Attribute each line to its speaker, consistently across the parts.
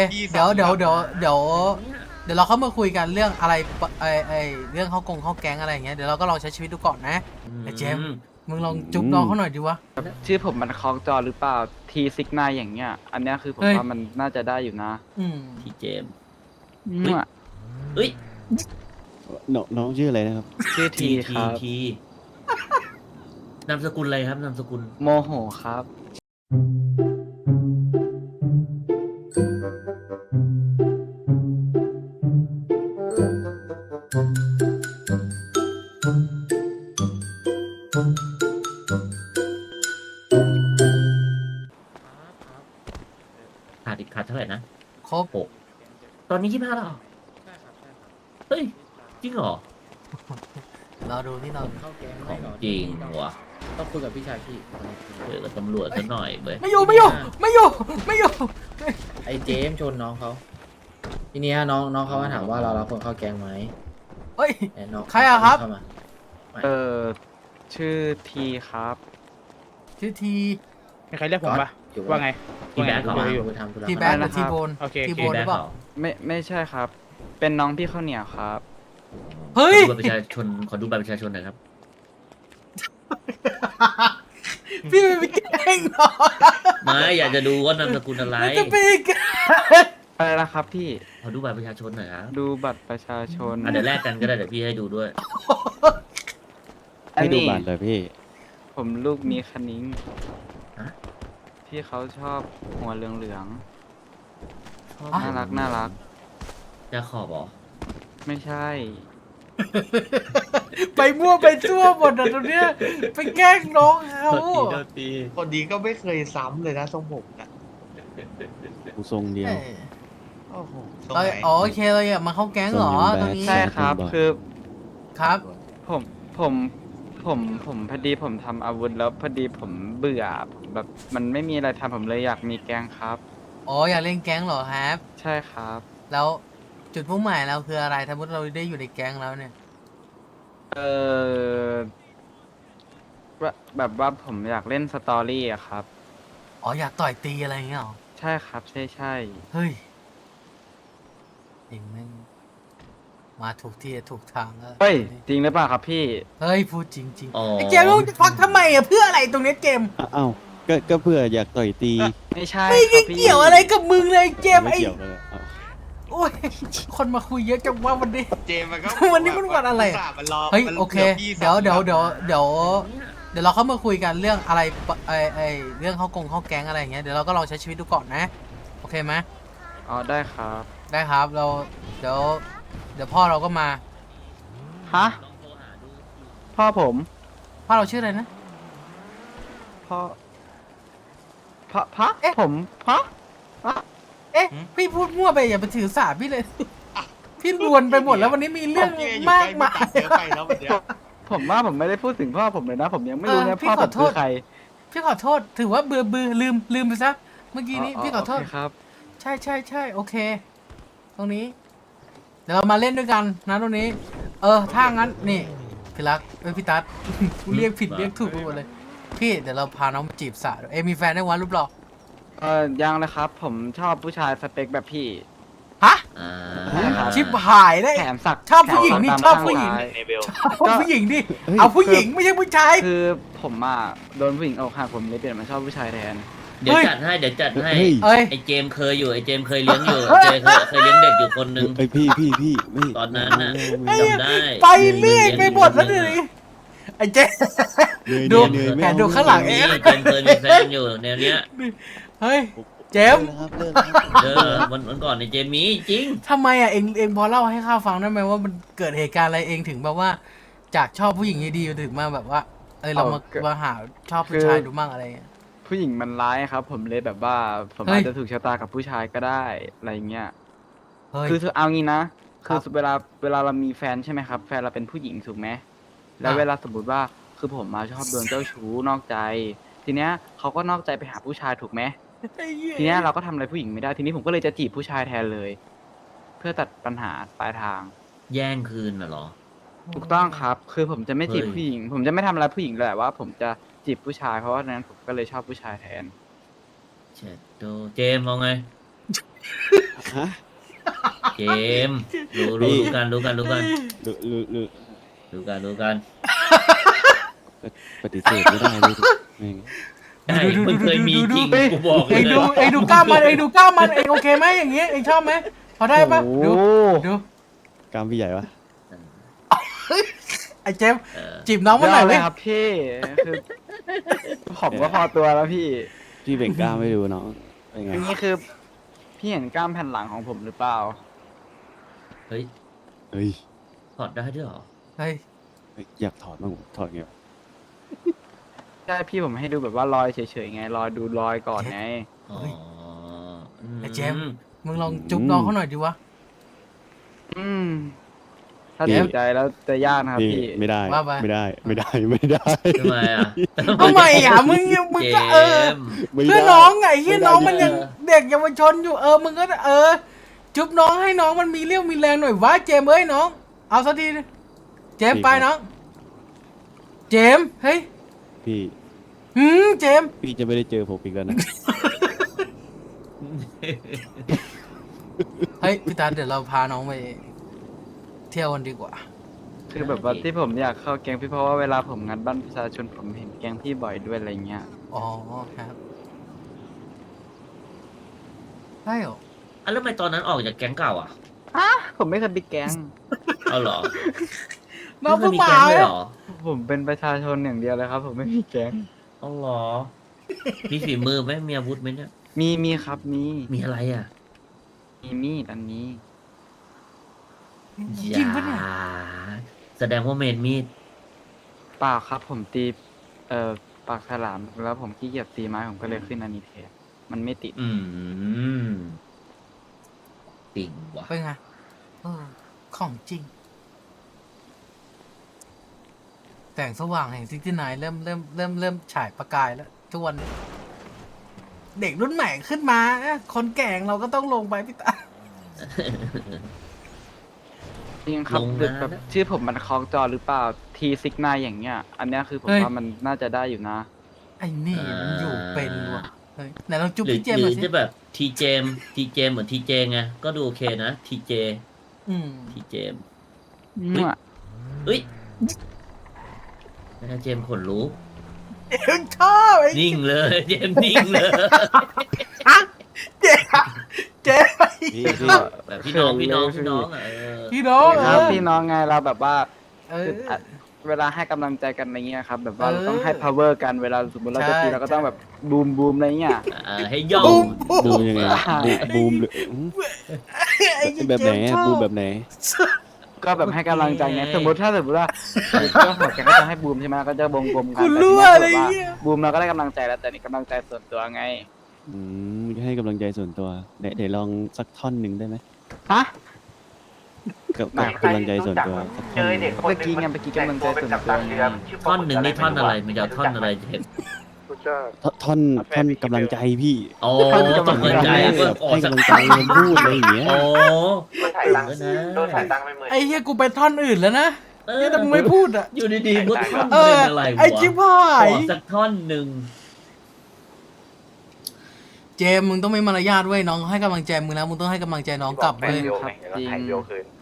Speaker 1: เดี๋ยวเราเข้ามาคุยกันเรื่องอะไรเรื่องเข้าแก๊งอะไรอย่างเงี้ยเดี๋ยวเราก็ลองใช้ชีวิตดูก่อนนะไอ้เจมส์มึงลองจุ๊บน้องเขาหน่อยดิวะ
Speaker 2: ชื่อผมมันคล้องจอหรือเปล่าทีซิกนาอย่างเงี้ย อันเนี้ยคือผม
Speaker 1: เฮ้ย
Speaker 2: ว่ามันน่าจะได้อยู่นะ
Speaker 3: พี่เจมส์
Speaker 2: มั่ว
Speaker 3: เฮ้ย
Speaker 4: น้องชื่ออะไรนะครับ
Speaker 2: ชื่อทีครับ
Speaker 3: ทีนามสกุลอะไรครับนามสกุล
Speaker 2: โมโหครับ
Speaker 3: ขาดเท่าไหร่นะ
Speaker 1: ครบ
Speaker 3: โอ้ตอนนี้25แล้วเหรอเฮ้ย จริงเหรอ
Speaker 1: เราดูที่เรา
Speaker 5: เข้าแก๊ง
Speaker 3: ของจริงวะ
Speaker 5: ต้องคุยกับพี่ชายพี่
Speaker 3: เดี๋ยวกับตำรวจซะหน่อยเว้ย
Speaker 1: ไม่อยู่
Speaker 5: ไอ้เจมส์ชนน้องเขาทีนี้น้องเขามาถามว่าเรารับคนเข้าแก๊งไหม
Speaker 1: เฮ้ย
Speaker 5: แต่น้อง
Speaker 1: ใครอะครับ
Speaker 5: เข้ามา
Speaker 2: ชื่อทีครับ
Speaker 1: ชื่อที
Speaker 6: มีใครเรียกผมปะ
Speaker 5: อยู่
Speaker 6: ว่าไง
Speaker 3: พี่แบ๊กเหรอ
Speaker 5: มาไปทำธุระ
Speaker 1: ทีแบ็ก
Speaker 2: อะไร
Speaker 1: หรื
Speaker 2: นะ
Speaker 1: อ
Speaker 2: ครับ
Speaker 1: ทีโบน
Speaker 6: โอเค
Speaker 1: ที
Speaker 6: โอ
Speaker 1: โบ
Speaker 6: เค
Speaker 1: นหรือเปล่า
Speaker 2: ไม่ใช่ครับ เป็นน้องพี่ข้าวเหนียวครับ
Speaker 1: เฮ้ย
Speaker 3: ขอดูบัตรประชาชนขอดูบัตรประชาชนหน่อยครับ
Speaker 1: พี่ไม่ไปแกล้งน้อง
Speaker 3: ไม่อยากจะดูว่านามสกุลอะไร
Speaker 1: จะไปแกล้ง
Speaker 2: อะไรนะครับพี่
Speaker 3: ขอดูบัตรประชาชนหน่อยครับ
Speaker 2: ดูบัตรประชาชน
Speaker 3: เดี๋ยวแลกกันก็ได้เดี๋ยวพี่ให้ดูด้วย
Speaker 2: อัน
Speaker 4: ให้ดู
Speaker 2: นี้
Speaker 4: บัตรเลยพี่
Speaker 2: ผมลูกมีคณิ้ง
Speaker 3: ฮะ
Speaker 2: ที่เขาชอบหัวเหลือง
Speaker 1: อ่ะ
Speaker 2: ๆน่ารัก
Speaker 3: จะขอบเหรอ
Speaker 2: ไม่ใช่
Speaker 1: ไปมั่วไปซั่วหมดอะตรงเนี้ยไปแกล้งน้องเขา
Speaker 7: คนนี้ก็ไม่เคยซ้ำเลยนะทรงผมนะ
Speaker 4: กูทรงเดียว
Speaker 1: เอ้ย
Speaker 7: โอ้โหทรง
Speaker 1: เรา
Speaker 7: ไหน
Speaker 1: อ๋อโอเคเราอยากมาเข้าแก๊งเหรอ
Speaker 4: ส่ง
Speaker 1: ตรง
Speaker 4: อยู่
Speaker 1: นี้
Speaker 4: แบ็
Speaker 2: ใช่ครับ
Speaker 4: แซด
Speaker 2: คือ
Speaker 1: ครับ
Speaker 2: ผมพอดีผมทำอาวุธแล้วพอดีผมเบื่อผมแบบมันไม่มีอะไรทำผมเลยอยากมีแกงครับ
Speaker 1: อ๋ออยากเล่นแก๊งเหรอครับ
Speaker 2: ใช่ครับ
Speaker 1: แล้วจุดมุ่งหมายเราคืออะไรถ้าเราได้อยู่ในแก๊งแล้วเนี่ย
Speaker 2: เออแบบว่าผมอยากเล่นสตอรี่อะครับ
Speaker 1: อ๋ออยากต่อยตีอะไรอย่างเงี้ยเหรอ
Speaker 2: ใช่ครับ ใช่
Speaker 1: เฮ้ยเองแม่งมาถูกที่ถูกทางแล้ว
Speaker 2: เฮ้ย จริงหรือเปล่าครับพี่
Speaker 1: เฮ้ยพูดจริง
Speaker 3: อ๋อ
Speaker 1: ๆไอ้เจมส์มึงจะฟักทำไมอะเพื่ออะไรตรงเนี้ยเจมส์
Speaker 4: อ้าวก็เพื่ออยากต่อยตี
Speaker 2: ไม่ใช่
Speaker 1: ไม่
Speaker 2: ครับพี่
Speaker 1: เกี่ยวอะไรกับมึงเลยเจมส์
Speaker 4: ไม่
Speaker 1: ไอ้
Speaker 4: เกี่ยวเลยอ้าว
Speaker 1: โอ้ยคนมาคุยเยอะจังว่าวันนี้
Speaker 7: เจมส์มันก็
Speaker 1: วันนี้มันวันอะไร
Speaker 7: อุตส่าห์มันรอ
Speaker 1: เฮ้ย
Speaker 7: มัน
Speaker 1: โอเค
Speaker 7: กืบยี่สิบ
Speaker 1: เดี๋ยวเราเข้ามาคุยกันเรื่องอะไรเรื่องเข้าแก๊งอะไรอย่างเงี้ยเดี๋ยวเราก็ลองใช้ชีวิตดูก่อนนะโอเคไหม
Speaker 2: อ๋อได้ครับ
Speaker 1: ได้ครับเราเดี๋ยวพ่อเราก็มา
Speaker 2: ฮะ พ่อผม
Speaker 1: พ่อเราชื่ออะไรนะ
Speaker 2: พ่อพ่อ
Speaker 1: เอ๊ะ
Speaker 2: ผมพ่อ
Speaker 1: เอ๊ะพี่พูดมั่วไปอย่าไปถือสาพี่เลย พี่รวนไปหมดแล้ววันนี้มีเรื่อง
Speaker 7: นี่อยู่
Speaker 1: มาก
Speaker 7: ใล้
Speaker 1: มาย
Speaker 7: เยอะไปแล้ววันเนี้ย
Speaker 2: ผมว่าผมไม่ได้พูดถึงพ่อผมเลยนะ ผมยังไม่รู้
Speaker 1: เอ
Speaker 2: นะ
Speaker 1: อพี่
Speaker 2: พ่อ
Speaker 1: ข
Speaker 2: ผ
Speaker 1: อ
Speaker 2: ม
Speaker 1: โท
Speaker 2: คือ
Speaker 1: ษ
Speaker 2: ใคร
Speaker 1: พี่ขอโทษถือว่าเบื่อลืมไปซะเมื่อกี้นี้พี่ขอโทษ
Speaker 2: โเคครับ
Speaker 1: ใช่โอเค ตรงนี้ เดี๋ยวเรามาเล่นด้วยกันนะตรงนี้ ถ้างั้นนี่พี่รักพี่ตั๊ด กูเรียกผิดเรียกถูกไปหมดเลย พี่เดี๋ยวเราพาน้องมาจีบสาวมีแฟนได้วันรูปหล่อ
Speaker 2: ยังเลยครับ ผมชอบผู้ชายสเปคแบบพี่
Speaker 1: ฮะ
Speaker 3: อ่า
Speaker 1: ชิบหายได้
Speaker 2: แถมสัก
Speaker 1: ชอบผู้หญิงนี่
Speaker 2: แถม
Speaker 1: ชอบ
Speaker 2: ตาม
Speaker 1: ผู้หญิง
Speaker 2: ข้าซ้าย
Speaker 1: เอาผู้หญิงดิเอาผู้หญิงไม่ใช่ผู้ชาย
Speaker 2: คือผมอ่ะโดนผู้หญิงอกหักผมเลยเปลี่ยนมาชอบผู้ชายแทน
Speaker 3: เดี๋ยวจัดให้เดี๋ยวจัดให้
Speaker 4: เฮ้ย
Speaker 1: เอ้ย
Speaker 3: ไอ้เจมส์เคยอยู่ไอ้เจมส์เคยเลี้ยงอยู่เจมส์เคยเลี้ยงเด็กอยู่คนนึง
Speaker 4: เอ้ยพี่ไม่
Speaker 3: ตอนนั้นน่ะ
Speaker 4: ไม่
Speaker 3: จำได้
Speaker 1: ไปเรื่อยไปหมดแล้วดิไอ้เจ๊ ดู
Speaker 4: เหนื่อย
Speaker 1: แผนดูข้างหลัง
Speaker 3: นี่เจมส์เคยมีแฟนอยู่แนวเนี้ย
Speaker 1: เฮ้ยเจมส์
Speaker 4: ครับเลิกครับ
Speaker 3: วันก่อนในเจมส์มีจริง
Speaker 1: ทำไมอ่ะเองพอเล่าให้ข้าฟังได้ไหมว่ามันเกิดเหตุการณ์อะไรเองถึงแบบว่า จากชอบผู้หญิงดีๆถึงมาแบบว่าเรามาหาชอบผู้ชายดูมั่งอะไรเงี้ย
Speaker 2: ผู้หญิงมันร้ายครับ ผมเลยแบบว่าผม
Speaker 1: เฮ้ย
Speaker 2: อาจจะถูกชะตากับผู้ชายก็ได้อะไรเงี้ย
Speaker 1: เฮ้ย
Speaker 2: คือเอางี้นะ
Speaker 1: ครั
Speaker 2: คือบ เวลาเรามีแฟนใช่ไหมครับ แฟนเราเป็นผู้หญิงถูกไหมแล้ว
Speaker 1: อ่ะ
Speaker 2: เวลาสมมติว่าคือผมมาชอบโดนเจ้าชู้นอกใจ ทีเนี้ยเขาก็นอกใจไปหาผู้ชายถูกไหม
Speaker 1: ไอ้เหี้ย
Speaker 2: ทีเนี้ยเราก็ทำอะไรผู้หญิงไม่ได้ทีนี้ผมก็เลยจะจีบผู้ชายแทนเลย เพื่อตัดปัญหาปลายทาง
Speaker 3: แย่งคืนน่ะเหรอ
Speaker 2: ถูกต้องครับ คือผมจะไม่จีบ
Speaker 3: เฮ้ย
Speaker 2: ผู้หญิง ผมจะไม่ทำอะไรผู้หญิงเลยแต่ว่าผมจะจีบผู้ชายเพราะว่าฉะนั้นผมก็เลยชอบผู้ชายแทน
Speaker 3: เช็ดโดเจมส์เอาไง
Speaker 4: ฮะ
Speaker 5: เจมส์รู้กันรู้กันรู้กัน
Speaker 4: หรือหรือหรือ
Speaker 5: รู้กันรู้กัน
Speaker 4: ปฏิเสธไม่ได้เลยแม่ง
Speaker 5: ใช่มึงเคยมีจริงกูบอกเล
Speaker 1: เอย งดูกล้ามมันเองดูกล้ามมันเองโอเคไหมอย่างเงี้ยเองชอบไหมพอได้ปะดู ดู
Speaker 4: กล้ามพี่ใหญ่ปะ
Speaker 1: ไอ้เจมส์จีบน้องมันหน่อย
Speaker 2: เล
Speaker 1: ไหม
Speaker 2: ยครับพี่คือผมก็พอตัวแล้วพี่
Speaker 4: พี่เบ่งกล้ามให้ดูน้องเป็นไง
Speaker 2: อันนี้คือพี่เห็นกล้ามแผ่นหลังของผมหรือเปล่า
Speaker 5: เฮ้ย
Speaker 4: เฮ้ย
Speaker 5: ถอดได้ด้วยเหรอ
Speaker 1: เฮ้ย
Speaker 4: อยากถอดบ้างถอดไงวะ
Speaker 2: ใช่พี่ผมให้ดูแบบว่ารอยเฉยๆไงรอยดูรอยก่อนไง
Speaker 5: อ๋อ
Speaker 1: ไอ้เจมส์ มึงลองจุ๊บน้องเขาหน่อยดิวะ
Speaker 2: อืมถ้าติดใจแล้วจะยากนะครับ
Speaker 4: นี่
Speaker 2: พี่
Speaker 4: ไม่ได้
Speaker 1: ว่าไป
Speaker 4: ไม่ได้ไม่ได้ไม่ได้
Speaker 5: ทำไมอ่ะ
Speaker 1: ทำไมอ่ะมึงก็
Speaker 5: เจมส์
Speaker 4: ไม่
Speaker 1: เพื่อ
Speaker 4: ได้
Speaker 1: น้องไงที่น้องมันยัง
Speaker 5: เออ
Speaker 1: เด็กเยาวชนอยู่มึงก็จุ๊บน้องให้น้องมันมีเรี่ยวมีแรงหน่อยวะเจมส์เอ้ยน้อง เอาสักทีดิเจมส์ไปน้อง เจมส์เฮ้ย
Speaker 4: พี่
Speaker 1: เจมส์
Speaker 4: พี่จะไม่ได้เจอผมอีกแล้วนะ
Speaker 1: เฮ้ยพี่ตาเดี๋ยวเราพาน้องไปเที่ยวกันดีกว่า
Speaker 2: คือแบบว่าที่ผมอยากเข้าแก๊งพี่เพราะว่าเวลาผมงัดบ้านประชาชนผมเห็นแก๊งพี่บ่อยด้วยอะไรเงี้ย
Speaker 1: อ๋อครับใช่เหรอ
Speaker 5: อ่ะแล้วทำไมตอนนั้นออกจากแก๊งเก่าอ่ะ
Speaker 2: ผมไม่เคยไปแก๊ง
Speaker 5: เอาเหรอ
Speaker 1: น้อง
Speaker 5: ไม่
Speaker 1: เพิ่ง
Speaker 5: เคยมี
Speaker 1: มา
Speaker 5: แก๊งเลยเหรอ
Speaker 2: ผมเป็นประชาชนอย่างเดียวเลยครับ ผมไม่มีแก๊ง
Speaker 5: เอาเหรอ มีฝีมือไหมมีอาวุธไหมเนี่ย
Speaker 2: มีครับมี
Speaker 5: มีอะไรอ่ะ
Speaker 2: มีมีดอันนี้
Speaker 1: จริงปะเนี่ย
Speaker 5: อย่าแสดงว่าเมนมีด
Speaker 2: เปล่าครับ ผมตีปากฉลามแล้วผมขี้เกียจตีไม้ผมก็เลยขึ้นอันนี้แทนมันไม่ติด
Speaker 5: ติ่งว่ะ
Speaker 1: เป็นไงของจริง แสงสว่างแห่งซิกที่ไหนเริ่มฉายประกายแล้วทุกวันนี้เด็กรุ่นใหม่ขึ้นมาคนแก่งเราก็ต้องลงไปพี่ตา
Speaker 2: จริงครับแบบชื่อผมมันคล้องจอหรือเปล่าทีซิกนายอย่างเงี้ย อันเนี้ยคือผมว่ามันน่าจะได้อยู่นะ
Speaker 1: ไอ้นี่มันอยู่เป็นว่ะเฮ้ยไหนลองจุ๊บ
Speaker 5: หรือ
Speaker 1: พี่เจม
Speaker 5: ห
Speaker 1: ส์ห
Speaker 5: รื
Speaker 1: น่
Speaker 5: อ
Speaker 1: อยสิ
Speaker 5: จะแบบทีเจมเหมือนทีเจไง ก็ดูโอเคนะทีเจ
Speaker 1: อืม
Speaker 5: ทีเจม
Speaker 2: มั่ว
Speaker 5: เอ้ยเจมส์ขนลุก
Speaker 1: ชอบไอ้
Speaker 5: นิ่งเลย เจมส์นิ่งเลย
Speaker 1: เจ๊เจ๊
Speaker 4: พี่พี่
Speaker 5: แบบพี่น้องอ่ะ
Speaker 1: พี่น้อง
Speaker 2: ครับพี่น้องไงเราแบบว่า
Speaker 1: เออ
Speaker 2: คือเวลาให้กำลังใจกันอะไรเงี้ยครับ แบบว่า
Speaker 1: เออ
Speaker 2: เราต้องให้ power กันเวลาสมมติเราจะตี
Speaker 1: ใช่
Speaker 2: เราก็ต้องแบบบูมอะไรเงี้ย
Speaker 5: ให้ย่อง
Speaker 1: บูม
Speaker 4: บูมยังไงบูมหรือ
Speaker 1: ไอ้เจ๊
Speaker 4: แบบไหน
Speaker 1: ชอบ
Speaker 4: บูมแบบไหน
Speaker 2: ก็แบบให้กำลังใจไงสมมติว่าก็หัวแกงก็จะให้บูมใช่ไหมก็จะบงกัน
Speaker 1: คุณ
Speaker 2: แต่
Speaker 1: รู้
Speaker 2: ที
Speaker 1: อะไร
Speaker 2: นี้แบบว่า
Speaker 1: เงี้ย
Speaker 2: บูมเราก็ได้กำลังใจแล้วแต่นี่กำลังใจส่วนตัวไง
Speaker 4: ให้กำลังใจส่วนตัวเดี๋ยวลองสักท่อนหนึ่งได้ไหม
Speaker 2: ฮะ
Speaker 4: กับกำลังใจส่วนตัวสักท่อนหนึ่ง
Speaker 2: เมื่อกี้ไงเมื่อกี้กำลังใจส่วนตัวไง
Speaker 5: ท่อนหนึ่งนี่ท่อนอะไรมันจะเอาท่อนอะไรเห็น
Speaker 4: ท่อนกำลังใจพี่
Speaker 5: โอ้กำลังใจก็ออก
Speaker 4: ให้
Speaker 5: สัก
Speaker 4: กำลังใจคนพูดอะไรอย่างเงี้ย
Speaker 5: โอ้
Speaker 8: ถ่ายตังค์โดนถ่ายตังค์ไปหมื่น
Speaker 1: ไอ้เฮียกูไปท่อนอื่นแล้วนะเนี่ยแต่มึงไม่พูดอ่ะ
Speaker 5: อยู่ดีๆก็ท่อน
Speaker 1: เอ
Speaker 5: เป็
Speaker 1: อน
Speaker 5: อะไรวะ
Speaker 1: ไอ้ชิบหา
Speaker 5: ขอย สักท่อนหนึ่ง
Speaker 1: เจมส์มึงต้องไม่มารยาทเว้ยน้องให้กำลังใจมึงแล้วมึงต้องให้กำลังใจน้องกลับ
Speaker 8: แฟน
Speaker 1: เว้ย
Speaker 8: โยไงแล้วถ่ายโยคืน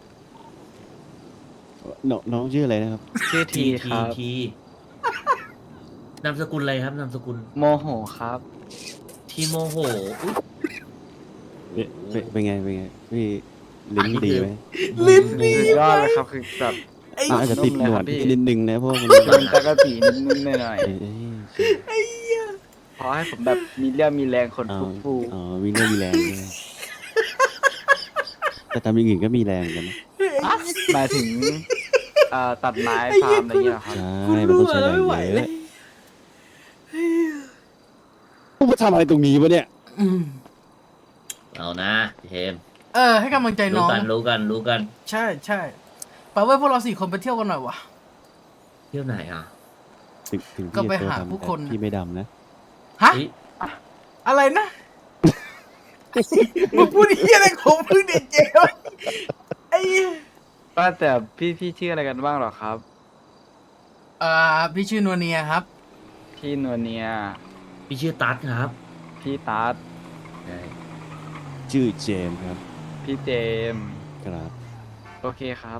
Speaker 4: น้องชื่ออะไรนะครับ
Speaker 2: ชื่อทีครับ
Speaker 5: ทีนามสกุลอะไรครับนามสกุล
Speaker 2: โมโหครับ
Speaker 5: ทีโมโหอุ๊ย
Speaker 4: เป็นไงพี่ลิ้นดีไหม
Speaker 1: ลิ้นดี
Speaker 2: สุดยอดเลยครับคือแบบ
Speaker 1: ไอ้
Speaker 4: อาจจะติดหนวด
Speaker 2: นุ่มเลยครับพี่
Speaker 4: นิดนึงนะเพราะว่ามัน
Speaker 2: มันจะกระตีนิดๆหน่อย
Speaker 4: เอ้ย
Speaker 2: ๆพอให้ผมแบบมีเรี่ยวมีแรงคน
Speaker 4: อ๋อ
Speaker 2: ฟู
Speaker 4: อ๋อมีเรื่องมีแรงด้วยแต่ทำอย่างอื่นก็มีแรงเหมือนกันนะ
Speaker 2: ๆหมายถึงตัดไม้ฟาร์มอะไรอย่างเงี้ยเหรอครับ
Speaker 4: ใช่มันต้องใช้แรงเยอะพวกมาทำอะไรตรงนี้วะเนี่ย
Speaker 1: อืม
Speaker 5: เอานะเทม
Speaker 1: ให้กำลังใจน้
Speaker 5: รู้
Speaker 1: อง
Speaker 5: กันรู้กันรู้กัน
Speaker 1: ใช่ใช่ไปเว้ยพวกเรา4 คนไปเที่ยวกันหน่อยวะ
Speaker 5: เที่ยวไหนอ่ะ
Speaker 4: ถึง
Speaker 1: ก็
Speaker 4: พี่
Speaker 1: ไป
Speaker 4: จะตัว
Speaker 1: หา
Speaker 4: ดำ
Speaker 1: ผู้
Speaker 4: แต่
Speaker 1: คน
Speaker 4: พี่ไม่ดำนะ
Speaker 1: ฮะ
Speaker 5: เฮ้ย
Speaker 1: อะไรนะมึงพูดเฮียอะไรของมึงเด็กเจมส์ไอ้
Speaker 2: ว่าแต่พี่ชื่ออะไรกันบ้างเหรอครับ
Speaker 1: พี่ชื่อนัวเนียครับ
Speaker 2: พี่นวเนีย
Speaker 5: พี่ชื่อตั๊ดครับ
Speaker 2: พี่ตาร์ท
Speaker 5: ใช่
Speaker 4: ชื่อเจมส์ครับ
Speaker 2: พี่เจมส์
Speaker 4: ครับ
Speaker 2: โอเคครับ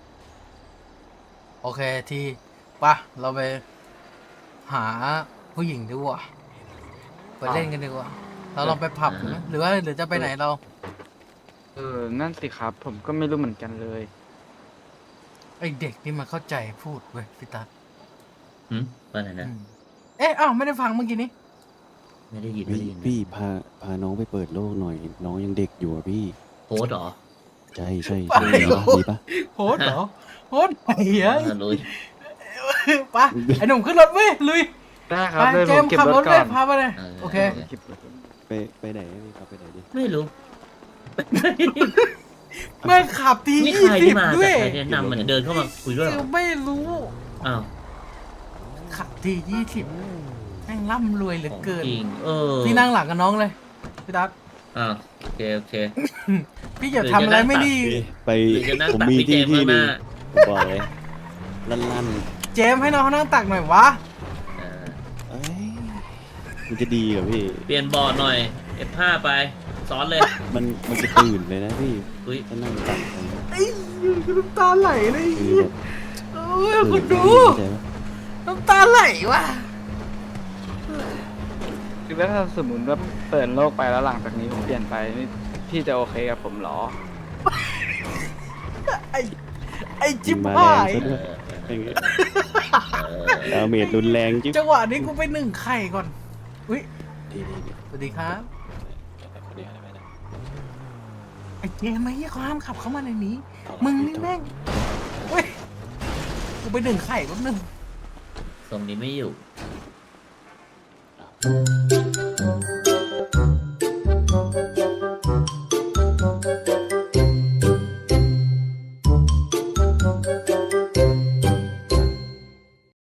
Speaker 1: โอเคทีปะเราไปหาผู้หญิงดีกว่าไปเล่นกันดีกว่าเราลองไปผับไหมหรือจะไปไหนเรา
Speaker 2: นั่นสิครับ ผมก็ไม่รู้เหมือนกันเลย
Speaker 1: ไอเด็กนี่มันเข้าใจพูดเว้ยพี่ตั๊ด
Speaker 3: ว่าไหนนะ
Speaker 1: เอ๊ะอ้าวไม่ได้ฟังเมื่อกี้นี้
Speaker 3: ไม่ได้ยินไม่ได้ยิน
Speaker 4: พี่พาน้องไปเปิดโลกหน่อย น้องยังเด็กอยู่อะพี่
Speaker 3: โพสต์เหรอ
Speaker 4: ใช่ใช่
Speaker 1: ไป
Speaker 4: ใช่
Speaker 1: โลก
Speaker 4: ดีปะ
Speaker 1: โพสต์เหรอโพสต์ไหนอะ
Speaker 3: ลุย
Speaker 1: ปะไอหนุ่มขึ้นรถเว้ยลุย
Speaker 2: ได้ค
Speaker 1: ไป
Speaker 2: รับเลย
Speaker 1: เจ
Speaker 2: ผม
Speaker 1: มส์
Speaker 2: เก็บ
Speaker 1: ขับ
Speaker 2: ร
Speaker 1: ร
Speaker 2: ถ
Speaker 1: ถ
Speaker 2: ก่
Speaker 1: เล
Speaker 2: อย น
Speaker 1: พาไปเลยโอเค
Speaker 2: เก็บรถก่อน
Speaker 4: ไปไหนพี่ครับไปไหนดิ
Speaker 3: ไม่รู้
Speaker 1: แม่งขับที
Speaker 3: นี่
Speaker 1: ยี่
Speaker 3: ใคร
Speaker 1: สิ
Speaker 3: ที่
Speaker 1: บ
Speaker 3: มา
Speaker 1: ด้วย
Speaker 3: ใครแนะนำมันยเดินเข้ามาคุยด้วยเหรอ
Speaker 1: ไม่รู้
Speaker 3: อ้าว
Speaker 1: ขับที20แม่งร่ำรวยเหลือ
Speaker 3: ของ
Speaker 1: เกิน
Speaker 3: จริง
Speaker 1: พี่นั่งหลังกับน้องเลยพี่ตั๊ด
Speaker 3: อ้าวโอเค
Speaker 1: พี่อย่าทำอะไรไม่ดี
Speaker 4: ไป
Speaker 3: หรือจะนั่ง
Speaker 4: ผม
Speaker 3: ตัก
Speaker 4: มี
Speaker 3: พี่เจ
Speaker 4: ที่
Speaker 3: มส์
Speaker 4: ที่
Speaker 3: ข้าง
Speaker 4: ห
Speaker 3: ห
Speaker 4: นึ่ง
Speaker 3: น้า
Speaker 4: ผมบอกเลยลั่น
Speaker 1: เจมส์ให้น้องเขานั่งตักหน่อยวะ
Speaker 4: เอ้ยมันจะดีเหรอพี่
Speaker 3: เปลี่ยนบอร์ดหน่อย F5 ไปซ้อนเลย
Speaker 4: มันจะตื่นเลยนะพี่
Speaker 3: อุ้ย
Speaker 4: ถ้านั่งตักไป
Speaker 1: ไอ้น้ำตาไหลเลย
Speaker 4: คือแบบ
Speaker 1: โอ้ยคุณดู
Speaker 4: เข้าใจปะ
Speaker 1: น้ำตาไหลว่ะ
Speaker 2: คือว่าถ้าสมมติว่าเปิดโลกไปแล้วหลังจากนี้ผมเปลี่ยนไปนี่พี่จะโอเคกับผมเหรอ
Speaker 1: ไอ้จิ๊บ
Speaker 4: มา
Speaker 1: หา
Speaker 4: แรง
Speaker 1: ย
Speaker 4: ซะด้วยอย่างเงี้ยดาเมจรุนแรงจิ๊บ
Speaker 1: จังหวะนี้กูไปหนึ่งไข่ก่อนอุ้ย
Speaker 4: ดี
Speaker 1: สวัสดีครับ ไอ้เจมส์ไอ้ยี่เขาห้ามขับเข้ามาในนี้ มึงนี่แม่งเว้ยกูไปหนึ่งไข่แป๊บนึง
Speaker 3: ทรงนี้ไม่อยู่